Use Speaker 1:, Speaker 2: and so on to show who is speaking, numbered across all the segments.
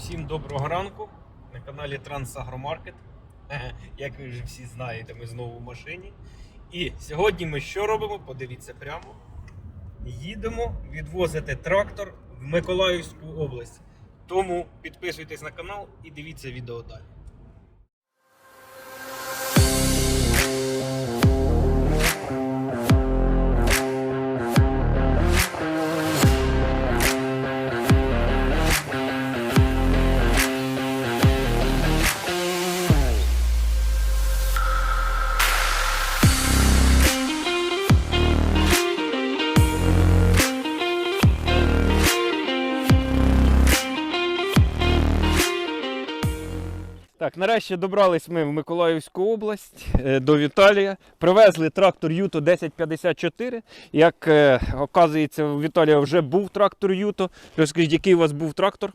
Speaker 1: Всім доброго ранку на каналі Трансагромаркет. Як ви вже всі знаєте, ми знову в машині. І сьогодні ми що робимо? Подивіться прямо. Їдемо відвозити трактор в Миколаївську область. Тому підписуйтесь на канал і дивіться відео далі. Так, нарешті добрались ми в Миколаївську область до Віталія. Привезли трактор Юто 1054. Як оказується, у Віталія вже був трактор Юто. Розкажіть, який у вас був трактор?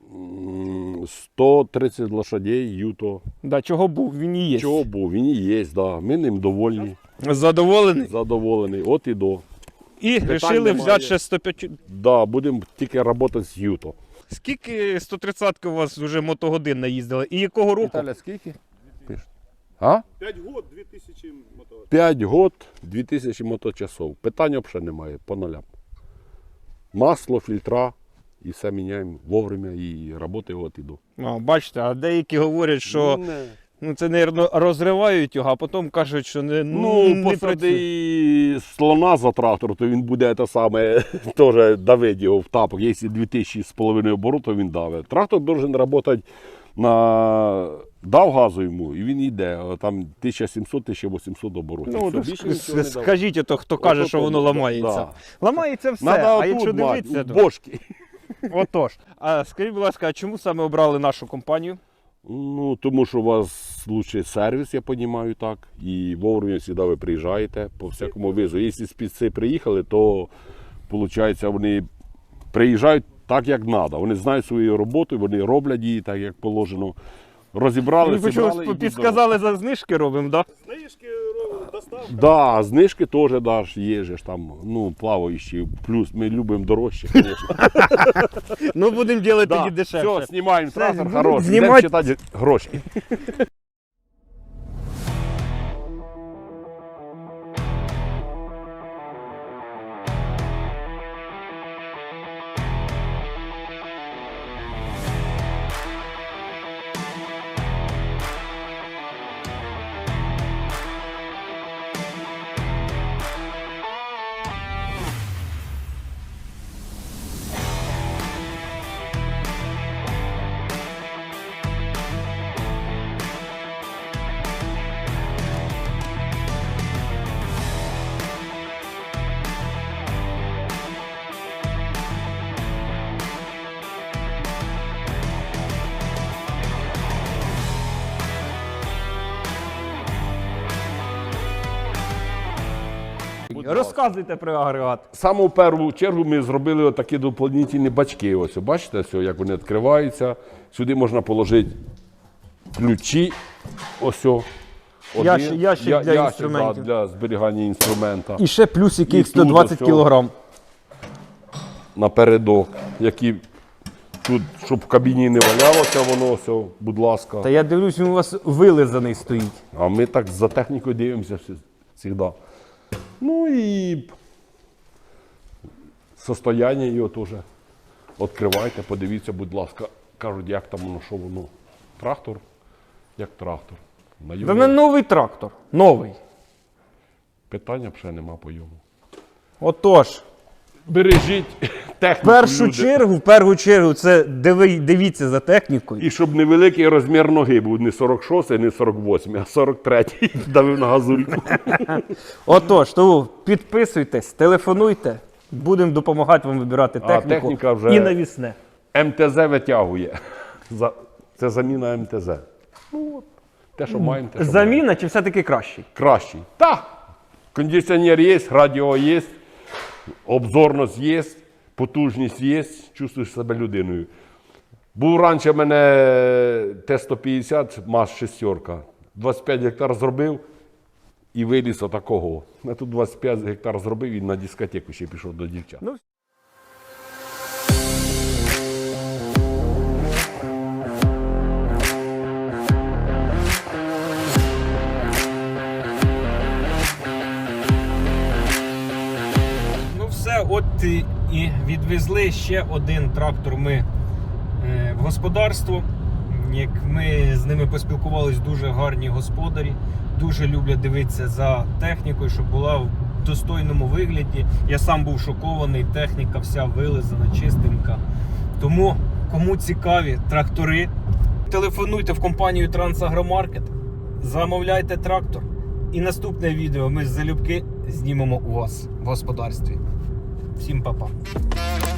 Speaker 2: 130 лошадей Юто.
Speaker 1: Да, чого був? Він і є.
Speaker 2: Чого був? Він і є, да. Ми ним довольні.
Speaker 1: Задоволений?
Speaker 2: Задоволений. От і до.
Speaker 1: І вирішили взяти ще 105.
Speaker 2: Да, будемо тільки працювати з Юто.
Speaker 1: Скільки 130-ки у вас вже мотогодин наїздили? І якого року?
Speaker 2: Віталя, скільки? А?
Speaker 3: 5 год, 2000 мотор.
Speaker 2: 5 год, 2000 моточасов. Питань взагалі немає, по нулям. Масло, фільтра, і все міняємо вовремя, і працює от і до.
Speaker 1: Бачите, а деякі говорять, що це, мабуть, розривають його, а потім кажуть, що не працює.
Speaker 2: Посади слона за трактор, то він буде те саме, теж давить його в тапок. Якщо 2500 оборотів, він давить. Трактор має працювати дав газу йому, і він йде. Там 1700-1800 оборотів.
Speaker 1: Ну,
Speaker 2: більше нічого не давить.
Speaker 1: скажіть, хто каже, що воно ламається.
Speaker 2: Да.
Speaker 1: Ламається все,
Speaker 2: Надо
Speaker 1: а
Speaker 2: отут
Speaker 1: якщо
Speaker 2: мати,
Speaker 1: дивитися,
Speaker 2: у
Speaker 1: то...
Speaker 2: бошки.
Speaker 1: Отож. А скажіть, будь ласка, а чому саме обрали нашу компанію?
Speaker 2: Ну, тому що у вас лучший сервіс, я розумію, так. І вовремя завжди ви приїжджаєте по всякому визу. Якщо спеці приїхали, то, виходить, вони приїжджають так, як треба. Вони знають свою роботу, вони роблять її так, як положено. Розібрали, зібрали.
Speaker 1: Ви підсказали, за знижки робимо, так?
Speaker 3: Знижки, доставка.
Speaker 2: Да, знижки теж даш, є ж там, ну, плаваючі, плюс ми любимо дорожче, звісно.
Speaker 1: Ну, будемо робити
Speaker 2: Да,
Speaker 1: тоді дешевше.
Speaker 2: все, знімаємо трактор,
Speaker 1: будемо
Speaker 2: хороший,
Speaker 1: знімати.
Speaker 2: йдемо читати гроші.
Speaker 1: Розказуйте про агрегат.
Speaker 2: Саме в першу чергу ми зробили такі доповнительні бачки. Ось, бачите, ось, як вони відкриваються. Сюди можна положити ключі. Ось.
Speaker 1: Ящик для інструментів.
Speaker 2: Для зберігання інструмента.
Speaker 1: І ще плюс яких
Speaker 2: І тут
Speaker 1: 120
Speaker 2: ось
Speaker 1: кг.
Speaker 2: Напередок, які тут, щоб в кабіні не валялося воно, ось, будь ласка.
Speaker 1: Та я дивлюсь, він у вас вилизаний стоїть.
Speaker 2: А ми так за технікою дивимося завжди. Ну і состояння його теж відкривайте, подивіться, будь ласка. Кажуть, як там воно, що воно. Трактор, як трактор.
Speaker 1: Та не новий трактор. Новий.
Speaker 2: Питання вже нема по йому.
Speaker 1: Отож.
Speaker 2: Бережіть техніку,
Speaker 1: В першу чергу, це дивіться за технікою.
Speaker 2: І щоб невеликий розмір ноги був, не 46, не 48, а 43. Давив на газульку.
Speaker 1: Отож, тому підписуйтесь, телефонуйте, будемо допомагати вам вибирати техніку
Speaker 2: техніка вже-
Speaker 1: і навісне.
Speaker 2: МТЗ витягує. Це заміна МТЗ. Ну, от, те, що маємо, те, що маємо.
Speaker 1: Заміна чи все-таки кращий?
Speaker 2: Кращий. Так. Кондиціонер є, радіо є, обзорність є, потужність є, чувствуєш себе людиною. Був раніше в мене Т-150, МАЗ-6, 25 гектар зробив і виліз отакого. Я тут 25 гектар зробив і на дискотеку ще пішов до дівчат.
Speaker 1: Ну, От і відвезли ще один трактор ми в господарство. Як ми з ними поспілкувалися, дуже гарні господарі, дуже люблять дивитися за технікою, щоб була в достойному вигляді. Я сам був шокований, техніка вся вилизана, чистенька. Тому, кому цікаві трактори, телефонуйте в компанію Трансагромаркет, замовляйте трактор. І наступне відео ми залюбки знімемо у вас в господарстві. Всім па-па.